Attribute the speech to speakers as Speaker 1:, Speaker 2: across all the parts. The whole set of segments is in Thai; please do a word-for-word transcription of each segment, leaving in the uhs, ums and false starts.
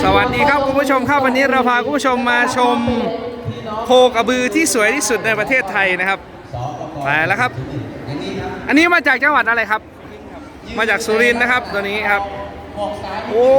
Speaker 1: สวัสดีครับคุณผู้ชมครับวันนี้เราพาคุณผู้ชมมาชมโคกระบือที่สวยที่สุดในประเทศไทยนะครับไปแล้วครับอันนี้มาจากจังหวัดอะไรครับมาจากสุรินทร์นะครับตัวนี้ครับโอ้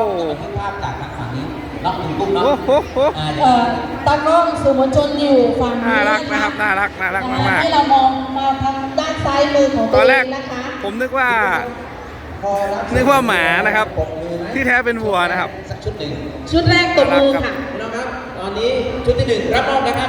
Speaker 1: โหโหโห
Speaker 2: ตากล้องสื่อมวลชนอยู่ฝั่งนี้
Speaker 1: น่ารักนะครับน่ารักน่ารักมากๆ
Speaker 2: ให้เรามองมาทางด้านซ้ายมือของ
Speaker 1: ต
Speaker 2: ตั
Speaker 1: อ
Speaker 2: วน
Speaker 1: แร
Speaker 2: เอก งนะคะ
Speaker 1: ผมนึกว่านึกว่าหมานะครับที่แท้เป็นวัวนะครับ
Speaker 3: สักชุดหนึ่ง
Speaker 2: ชุดแรกตบมือค่ะ
Speaker 3: พี่น้องครับตอนนี้ชุดที่หนึ่งรับมอบนะครับ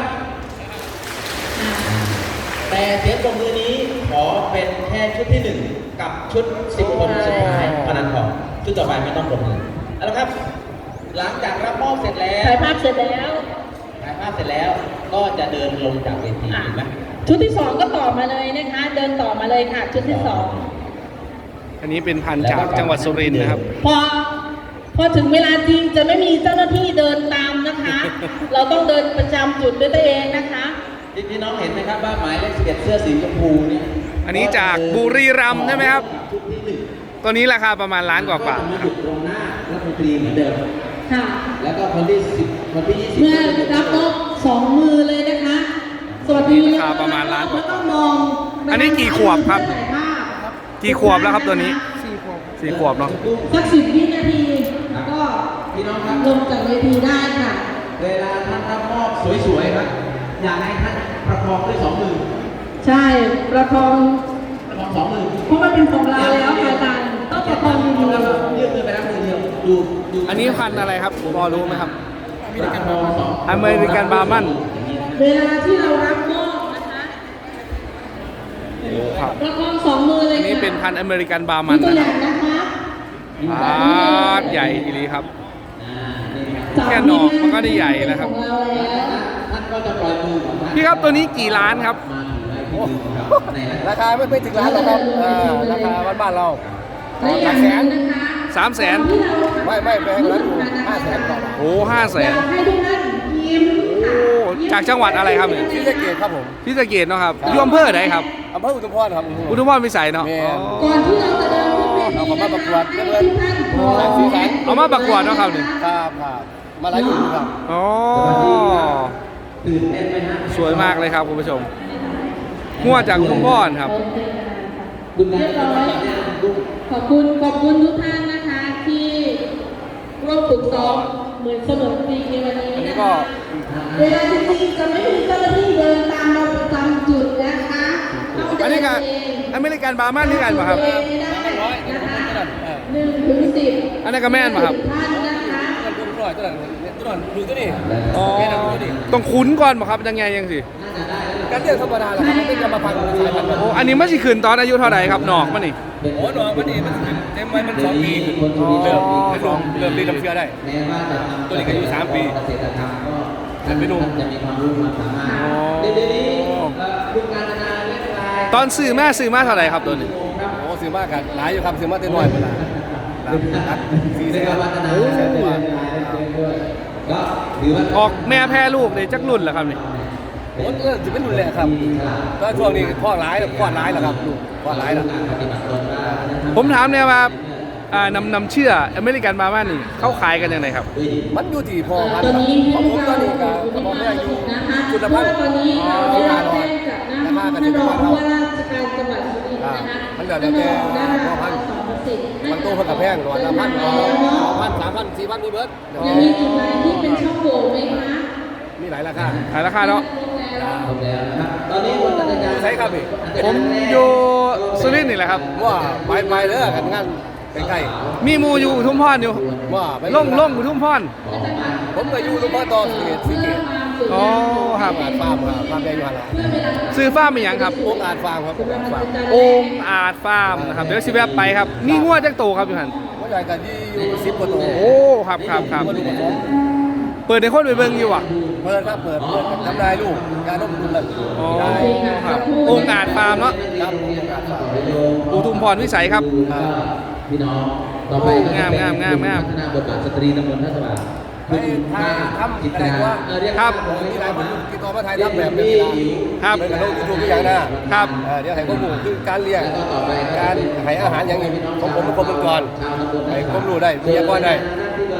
Speaker 3: แต่เสียงปรบมือนี้ขอเป็นแค่ชุดที่หนึ่งกับชุดสิบคนสุดท้ายเท่านั้นพอชุดต่อไปไม่ต้องปรบมือเอาละครับ หลังจากรับมอบเสร็จแล้ว
Speaker 2: ถ่ายภาพเสร็จแล้ว
Speaker 3: ถ่ายภาพเสร็จแล้วก็จะเดินลงจากเวทีเห็นไหม
Speaker 2: ชุดที่สองก็ต่อมาเลยนะคะ เดินต่อมาเลยค่ะ ชุดที่สอง
Speaker 1: อันนี้เป็นพันธุ์จากจังหวัดสุรินทร์นะครับ
Speaker 2: พอพอถึงเวลาจริงจะไม่มีเจ้าหน้าที่เดินตามนะคะ เราต้องเดินประจำจุดด้วยตัวเองนะคะ
Speaker 3: พี่น้องเห็นไหมครับว่าหมายเลขสิบเอ็ดเสื้อสีชมพูเนี่ย
Speaker 1: อันนี้จากบุรีรัมย์ใช่ไหมครับ
Speaker 3: ชุดที่หนึ่ง
Speaker 1: ตัวนี้ราคาประมาณล้านกว่าบาท
Speaker 3: ก็จะมาหยุดตรงหน้ารัฐมนตรีเหมือนเดิม
Speaker 2: ค่ะ
Speaker 3: แล้วก็คนที่สิบคนที่ยี่สิบ
Speaker 2: เมื่อรับมอบสองมือเลยนะคะ สวัสดีนะคะ
Speaker 1: ราคาประมาณล้านกว่า
Speaker 2: ไม่ต้องมอง
Speaker 1: อันนี้กี่ขวบครับ
Speaker 2: ถ่ายภาพ
Speaker 1: กี่ขวบแล้วครับตัวนี้สี่ขวบเนาะ
Speaker 2: สักสิบวินาทีก็
Speaker 3: พี่น้องครับ
Speaker 2: ลงจากเวทีได้ค่ะ
Speaker 3: เวลาท่านรับมอบสวยๆครับอยากให้ท่านประคองด้วยสองมือ
Speaker 2: ใช่ประคอง
Speaker 3: ประคองสองมือ
Speaker 2: เพราะมันเป็นของเราแล้วค่ะอาจารย์ต้องประคองดี
Speaker 3: แล้วก็ยืดมือไปรับมือเดียวดูดู
Speaker 1: อันนี้พันธุ์อะไรครับพอรู้ไหมครับ
Speaker 3: ประคองสอง
Speaker 1: อเมริกันบาร์มัน
Speaker 2: ๆเวลาที่เรารับมอบนะคะ
Speaker 1: โอ้ครับ
Speaker 2: ประคองสองมือเลย
Speaker 1: อัน
Speaker 2: ค่ะ
Speaker 1: นี้เป็นพันธุ์อเมริกันบาร์
Speaker 2: มี
Speaker 1: มัน
Speaker 2: ตัว
Speaker 1: นะ
Speaker 2: อ
Speaker 1: ครั
Speaker 2: ย่า
Speaker 1: บ
Speaker 2: งนะคะ
Speaker 1: ปาดใหญ่ทีนี้ครับ
Speaker 3: อ่านี่ครับ
Speaker 1: แค่หนอกมันก็ได้ใหญ่แล้วครับ
Speaker 2: ของเราแล้ว
Speaker 3: ท่านก็จะปล่อยมือของท่าน
Speaker 1: พี่ครับตัวนี้กี่ล้านครับ
Speaker 3: มาถือไว้ที่มือของเราในรัฐ
Speaker 4: ราคาไม่ไม่ถึงล้านหรอกครับอ่าราคาบ้านบ้านๆเรา
Speaker 2: และอย่างนั้นนะคะ
Speaker 1: สามแสน
Speaker 2: ที่เรา
Speaker 4: ไม่ไม่แพงกว่านั้นอยู่ห้าแสนกว่าบาท
Speaker 1: โอ้ห้าแส
Speaker 2: อน ยากให้ทุกท่านยิ้ม
Speaker 1: โอ้จากจังหวัดอะไรครับเนี่ย
Speaker 4: ที่สะเกตครับผม
Speaker 1: ที่สะเกษเนาะครับอยู่อำเภอไหนครับ
Speaker 4: อำเภออุทุมพรครับ
Speaker 1: อุทุมพรพิสัยเนาะ
Speaker 4: แม่
Speaker 1: อ๋อ
Speaker 2: ก่อนที่เราจะเดินขึ้นเวที
Speaker 4: เอามาประกวด
Speaker 2: ให้
Speaker 4: เพื่อน
Speaker 2: ทุกท่านพร้อม
Speaker 4: สีสัน
Speaker 1: เอามาประกวดเนาะครับเนี่ย
Speaker 4: ครับครับมาหลายรุ่นครับ
Speaker 1: อ๋อ
Speaker 3: ตื่นเต้นไหมฮะ
Speaker 1: สวยมากเลยครับคุณผู้ชมมั่วจากอุทุมพรครับ
Speaker 3: คุณนายจะมาจากเนี่ยลูก
Speaker 2: ขอบคุณขอบคุณทุกท่านนะคะที่ร่วมฝึกซ้อมเหมือนเสมือนจริงในวันนี้
Speaker 1: อันนี้
Speaker 2: นะ
Speaker 1: ก็
Speaker 2: คะเวลาจริงๆจะไม่มีเจ้าหน้าที่เดินตามเราประจำจุดนะคะเราเดิ
Speaker 1: อันนี้ก็
Speaker 2: เอง
Speaker 1: อเมริกันบาร์มันนี่กันป่ะครับ
Speaker 2: เดินเองไม่ได้นะคะหนึ่งถึงสิบ
Speaker 1: อันนั้นก็แม่นป่ะครับ
Speaker 2: ท่านนะคะ
Speaker 4: ตัวน้อยตัวนั้นตัวนั้นดูตัวนี้
Speaker 1: อ๋อต้องคุ้นก่อนป่ะครับยังไงยังสิ
Speaker 4: การเลี้ยงธรรมดาแหละครับมันเป็นกรรมพันธุ์สายพันธุ์
Speaker 1: โอ้อันนี้มันสิขึ้นตอนอายุเท่าไหร่ครับหนอกมันนี่
Speaker 4: โอ้หนอมันนี่มันเต็มไว้มันสองปีขึ้นเริ่มเริ่มเริ่มรีดน้ำเชื้อได้
Speaker 3: แม้ว่าจะทำ
Speaker 4: ตัวนี้ก็อายุสามปี
Speaker 3: เกษตรกรรมก็
Speaker 4: แต่ไม่รู้
Speaker 3: ท่านจะมีความรู้ความสามารถเดี๋ยวนี้เอ่อคุณการนาเล็กลาย
Speaker 1: ตอนซื้อแม่ซื้อมาเท่าไหร่ครับตัวนี้
Speaker 4: โอ้ซื้อมากกันหลายอยู่ครับซื้อมาเต็มน้อยเวลาสี่
Speaker 3: เรี
Speaker 4: แส
Speaker 3: ยก
Speaker 4: น
Speaker 3: ว่าวัฒนา
Speaker 4: โอ้แสนกว่า
Speaker 3: ก็ถือว่า
Speaker 1: ออกแม่แพ้ลูกเลยจักรุ่นเหรอครับนี่
Speaker 4: โอ้เออจะเป็นรุ่นแรกครับก็ช่วงนี้พ่อร้ายพ่อร้ายแล้วครับลูกพ่อร้ายแล้ว
Speaker 3: การปฏิบัติตนว่า
Speaker 1: ผมถามเนี่ยว่าอ่านำนำเชื่ออเมริกันบาร์มันนี่เขาขายกันยังไงครับ
Speaker 4: มันอยู่ที่พ่อพัน
Speaker 2: ตอน
Speaker 4: ธุ์
Speaker 2: นี้
Speaker 4: ของผมตอนนี้ก็
Speaker 2: ให้
Speaker 4: พ่อ
Speaker 2: เรา
Speaker 4: แม่อยู่
Speaker 2: นะคะ
Speaker 4: จุด
Speaker 2: เพ
Speaker 4: พั
Speaker 2: ราะ
Speaker 4: น
Speaker 2: ว่า
Speaker 4: ธุ์
Speaker 2: ตอนนี้เราได้รับแจ้งจากนะ
Speaker 4: ราคา
Speaker 2: ท่าน
Speaker 4: ก็
Speaker 2: ร
Speaker 4: จะ
Speaker 2: อง
Speaker 4: บ้าน
Speaker 2: ผู้
Speaker 4: เรา
Speaker 2: ว่าราชการจังหวัดสุรินทร์นะคะ
Speaker 4: มันเหลือแต่แต่พ่อพันธุ์
Speaker 2: สอนประสิทธิ์
Speaker 4: บางตัวเพิ่นกับแพงร้อยละพันสองพันสามพันสี่พันมีเบิร์ด
Speaker 2: ยังมีจุดไหนที่เป็นช่องโหว่ไหมคะ
Speaker 4: มีหลายราคา
Speaker 1: ขายราคาเนาะ
Speaker 3: ครบแล้วนะครับตอนนี้คนตัดสินใจ
Speaker 4: ใช่ครับพี่
Speaker 1: ผมอยู่สุรินทร์นี่แหละครับ
Speaker 4: ว่าไปไปเด้อกันงานใกล้
Speaker 1: มีหมูอยู่อุทุมพรอยู่
Speaker 4: ๆว่าไป
Speaker 1: ล่งล่งอุทุมพร
Speaker 4: ผมก็อยู่ตรงพ่อต่อสิเกตสิเกต
Speaker 1: อ๋อครับ
Speaker 4: อาจฟาร์มครับฟาร์มแดงอยู่หันละ
Speaker 1: ซื้อฟ้าร์มเป็นหยังครับ
Speaker 4: โองอาจฟาร์มครับโองอาจฟาร์ม
Speaker 1: โอ่งอาจฟาร์มนะครับเดี๋ยวสิแวะไปครับมีงวดจักโตครับอยู่หัน
Speaker 4: ว่าใหญ่กันยี่อยู่สิบกว่าตัว
Speaker 1: โอ้ครับครับครับ
Speaker 4: มาดูผสม
Speaker 1: เปิดในคนไปเบิ่งอยู่อ่ะ
Speaker 4: เปิดครับเปิดเปิดทำได้ลูกการต้มทุนเลย
Speaker 1: อ๋อ
Speaker 4: ได้
Speaker 1: ครับโอ่งอาจฟาร์มเนาะ
Speaker 4: ครับโองอาจฟาร์ม
Speaker 1: อุทุมพรวิสัยครับ
Speaker 4: อ่า
Speaker 3: พี่น้องต่อไป
Speaker 1: งามงามงามงาม
Speaker 3: พัฒนาบทบาทสตรีตำบลท่าสว่าง
Speaker 4: ไปถ่ายทำ
Speaker 3: จิต
Speaker 4: อะไร
Speaker 3: รา
Speaker 4: ว่า
Speaker 3: เออเรียก
Speaker 1: ครับ
Speaker 4: ผมมีหลายคนติดต่อมาถ่ายทำแบบนี้
Speaker 1: ครับ
Speaker 4: เหมือนกับลงยูทูบทุกอย่างนะครับ เออเดี๋ยวให้ข้อมูลคือการเลี้ยง
Speaker 3: แล้วก็ต่อไป
Speaker 4: การให้อาหารอย่างนี้ของผมเป็นคนเป็นก่อนให้ความรู้ได้วิทยากรได้อ่าการ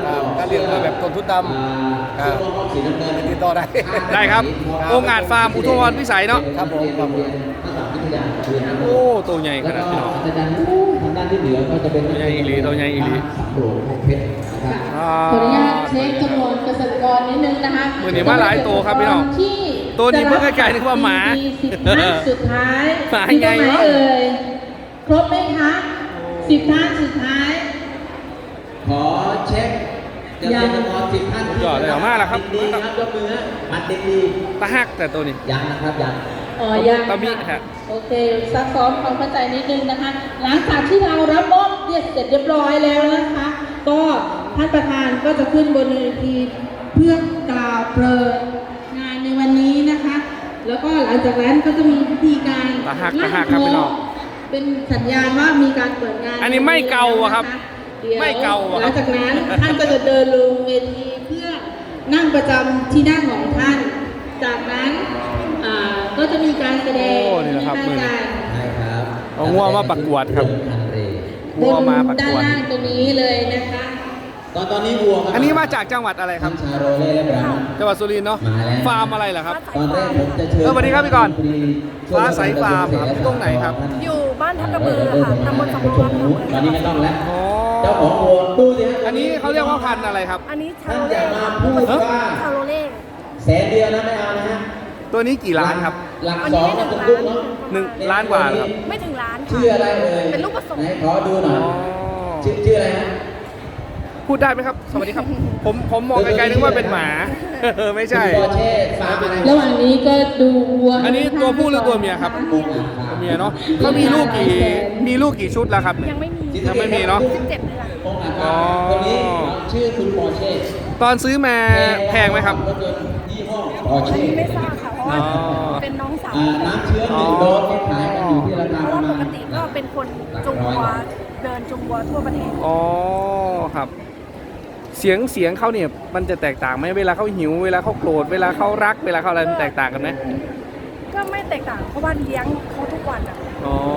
Speaker 4: การเลี้ยงวัวแบบต้นทุนต่ำครับ
Speaker 3: สีน้ำเงิน
Speaker 4: ติดต่อได้
Speaker 1: ได้ครับองค์อาจฟาร์มอุทุมพรพิสัยเนาะ
Speaker 4: ครับผมครับผม
Speaker 1: โอ้ตัวใหญ่ขนาดพี่น้อง
Speaker 3: อาจารย์ทางด้านที่เหลือก็จะเป็น
Speaker 1: ตัวใหญ่อีหลีตัวใหญ่อีหลี
Speaker 3: สำโรงเพชรนะครับ
Speaker 1: อ่า
Speaker 2: ขออนุญาตเช็คจำนวนเกษตรกรนิดนึงนะคะ
Speaker 1: มื้อนี้มาหลายตัวครับพี่น้อง
Speaker 2: ที่
Speaker 1: ตัวนี้เพิ่งไกลๆนึกว่าหมา
Speaker 2: สิบท่านสุดท้าย
Speaker 1: หมา
Speaker 2: ที่
Speaker 1: ไง
Speaker 2: ตรงไหน
Speaker 1: วะ
Speaker 2: เอ่ยครบไหมคะสิบท่านสุดท้าย
Speaker 3: ขอเช็คเกษตรกรสิบท่าน
Speaker 1: สุดยอดเลยเอามาแล้วครับ
Speaker 3: ดีครับยกมือฮะมัดเด็กดี
Speaker 1: ตาหักแต่ตัวนี้
Speaker 3: ยังนะครับยัง
Speaker 2: อ๋อยัง
Speaker 1: ตะมิ
Speaker 2: ค่ะ
Speaker 1: ฮะ
Speaker 2: โอเคซักซ้อมความเข้าใจนิดนึงนะคะ หลังจากที่เรารับมอบเรียบเสร็จเรียบร้อยแล้วนะคะ ก็ท่านประธานก็จะขึ้นบนเวทีเพื่อกล่าวเปิดงานในวันนี้นะคะ แล้วก็หลังจากนั้นก็จะมีพิธีการ
Speaker 1: ตะหักตะหักครับพี่น้อง
Speaker 2: เป็นสัญญาณว่ามีการเปิดงาน
Speaker 1: อันนี้ไม่เก่าอะครับ
Speaker 2: ดี๋ยว
Speaker 1: ไม่เก่าอะครับ
Speaker 2: หลังจากนั้นท่านก็จะเดินลงเวทีเพื่อนั่งประจำที่นั่งของท่าน จากนั้นอ่าก็จะมีการแสดง
Speaker 1: โอ้นี่แหละครับ
Speaker 2: มีการ
Speaker 3: ใช่ครับ
Speaker 1: เอางัวมาประกวดครับ
Speaker 3: พันเร
Speaker 1: วัวมาประ
Speaker 2: ด้าก น
Speaker 1: วด
Speaker 2: ล่างตรงนี้เลยนะคะ
Speaker 3: ตอนตอนนี้วัวครับ
Speaker 1: อันนี้มาจากจังหวัดอะไรครับ
Speaker 3: ทั้งชาโรเล่และบราวน์
Speaker 1: จังหวัดสุรินทร์เนาะ
Speaker 3: มาแล้ว
Speaker 1: ฟาร์มอะไรเหรอครับ
Speaker 3: ตอนแรกผมจะเชิญ
Speaker 1: เออสวัสดีครับพี่กรณ์ฟ้าใสฟาร์มครับตรงไหนครับ
Speaker 5: อยู่บ้านทับกระบือค่ะตำบลสำโรงอำเภอเมือง
Speaker 3: ตอนนี้ไม่ต้องแล้ว
Speaker 1: อ๋อ
Speaker 3: เจ้าของวัวดูสิฮะ
Speaker 1: อันนี้เขาเรียกว่าพันธุ์อะไรครับ
Speaker 5: อันนี้ชา
Speaker 3: ท่าน
Speaker 5: โร
Speaker 3: อย่า
Speaker 5: เล่
Speaker 3: มาพูดว่า
Speaker 5: ชาโรเล่
Speaker 3: แสนเดียวนะไม่เอานะฮะ
Speaker 1: ตัวนี้กี่ล้านครับ
Speaker 3: หลัก
Speaker 5: อัน
Speaker 3: ส
Speaker 5: นี้
Speaker 3: อง
Speaker 5: ได้ห
Speaker 3: ก็
Speaker 5: นึ่ง
Speaker 3: จะ
Speaker 5: ล้าน
Speaker 3: ลุกเนาะ
Speaker 1: หนึ่งล้านกว่าเหรอครับ
Speaker 5: ไม่ถึงล้านค่ะ
Speaker 3: ชื่ออะไรเอ่ย
Speaker 5: เป็นลูกผสม
Speaker 3: ไหนขอดูหน่อย
Speaker 1: อ๋อ
Speaker 3: ชื่อชื่ออะไรฮะ
Speaker 1: พูดได้ไหมครับ สวัสดีครับ ผมผมมองไกลๆนึกว่าเป็นหมา ไม่ใช่
Speaker 3: คุณปอเช่ฟาร์มอะไร
Speaker 2: ระหว่างนี้ก็ดูวัว
Speaker 1: อันนี้ตัวผู้หรือตัวเมียครับ
Speaker 3: ปูอ่างคา
Speaker 1: ตัวเมียเนาะเขามีลูกกี่มีลูกกี่ชุดแล้วครับ
Speaker 5: ยังไม่มี
Speaker 1: ยังไม่มีเนาะ
Speaker 5: สิบเจ็ดเดือน
Speaker 3: ปูอ่าง
Speaker 1: อ๋
Speaker 3: คา
Speaker 1: อ
Speaker 3: คนนี้ชื่อคุณปอเช่
Speaker 1: ตอนซื้อมาแพงไหมครับ
Speaker 3: รถยนต์ยี่ห้อปอ
Speaker 5: อัน
Speaker 3: เช่
Speaker 5: นี้ไม่ทราบค่ะ เพราะว่า
Speaker 1: อ๋อ
Speaker 5: เป็นน้องสาว
Speaker 3: อ่าน้ำเชื้อหนึ่งโดสที่ขายกันอยู่ที่ราคา
Speaker 5: เพ
Speaker 3: ประ
Speaker 5: ราะว่า
Speaker 3: มา
Speaker 5: ป
Speaker 3: ณ
Speaker 5: กติก็เป็นคนจุงวัวเดินจุงวัวทั่วประเทศ
Speaker 1: อ๋อครับ เสียงเสียงเขาเนี่ยมันจะแตกต่างไหมเวลาเขาหิวเวลาเขาโกรธเวลาเขารักเวลาเขาอะไรมันแตกต่างกันไหม
Speaker 5: ก็ไม่แตกต่างเพราะว่าเลี้ยงเขาทุกวันอ่ะ
Speaker 1: อ๋อ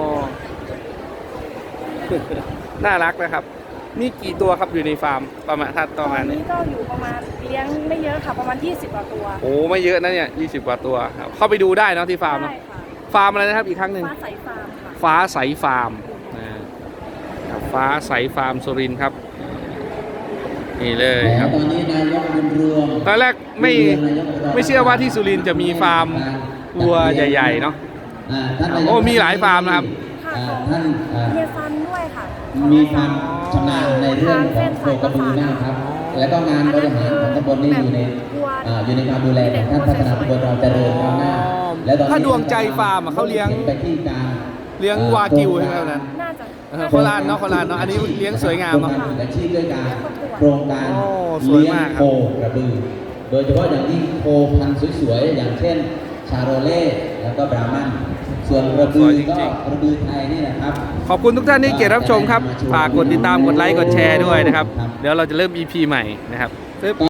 Speaker 1: น่ารักนะครับ มีกี่ตัวครับอยู่ในฟาร์มประมาณถ้าประมาณ
Speaker 5: ตอน
Speaker 1: นี้
Speaker 5: นี้ก็อยู่ประมาณเลี้ยงไม่เยอะค่ะประมาณยี่สิบกว่าตัว
Speaker 1: โอ้ไม่เยอะนะเนี่ยยี่สิบกว่าตัวครับเข้าไปดูได้เนอะที่ฟาร์มเนอะ
Speaker 5: ใช่ค่ะ
Speaker 1: ฟาร์มอะไรนะครับอีกครั้งหนึ่ง
Speaker 5: ฟ้าใสฟาร์มค่ะ
Speaker 1: ฟ้าใสฟาร์มนะครับฟ้าใสฟาร์มสุรินทร์ครับ นี่เลยครับ
Speaker 3: ตอนนี้นายกบุญรวม
Speaker 1: ตอนแรกไม่ไม่เชื่อว่าที่สุรินทร์จะมีฟาร์มวัวใหญ่ๆเนาะ
Speaker 3: อ่าท่านนายก
Speaker 1: โอ้มีหลายฟาร์มนะครับ
Speaker 5: ค่ะ
Speaker 3: อ่า
Speaker 5: ของ
Speaker 3: ท่านอ่า
Speaker 5: เฮียฟันด้วยค่ะ
Speaker 3: มีความชำนาญในเรื่องของโคกระบือมากครับ แล้วก็งานบริหารของตำบลนี่อยู่ในอ่าอยู่ในความดูแลของท่านพัฒนาตำบลเราเจริญก้าวหน้าแล้วตอนนี้
Speaker 1: ถ้าดวงใจฟาร์มอะเขาเลี้ยง
Speaker 3: ไปที่การ
Speaker 1: เลี้ยงวากิวใช่ไหมครับนั้น
Speaker 5: น่าจะ
Speaker 1: เออโคราชเนาะโคราชเนาะอันนี้เลี้ยงสวยงามเนาะ
Speaker 3: โครงการอาชีพด้วยการโครงการ
Speaker 1: โอ้สวยมากครับ
Speaker 3: เลี้ยงโคกระบือ โดยเฉพาะอย่างยิ่งโคพันธุ์สวยๆอย่างเช่น ชาโรเล่แล้วก็บราหมันส่วนกระบือก็กระบือไทยนี่แหละครับ
Speaker 1: ขอบคุณทุกท่านที่เกียรติรับชมครับ ฝากกดติดตามกดไลค์กดแชร์ด้วยนะครับ เดี๋ยวเราจะเริ่ม อี พี ใหม่นะครับ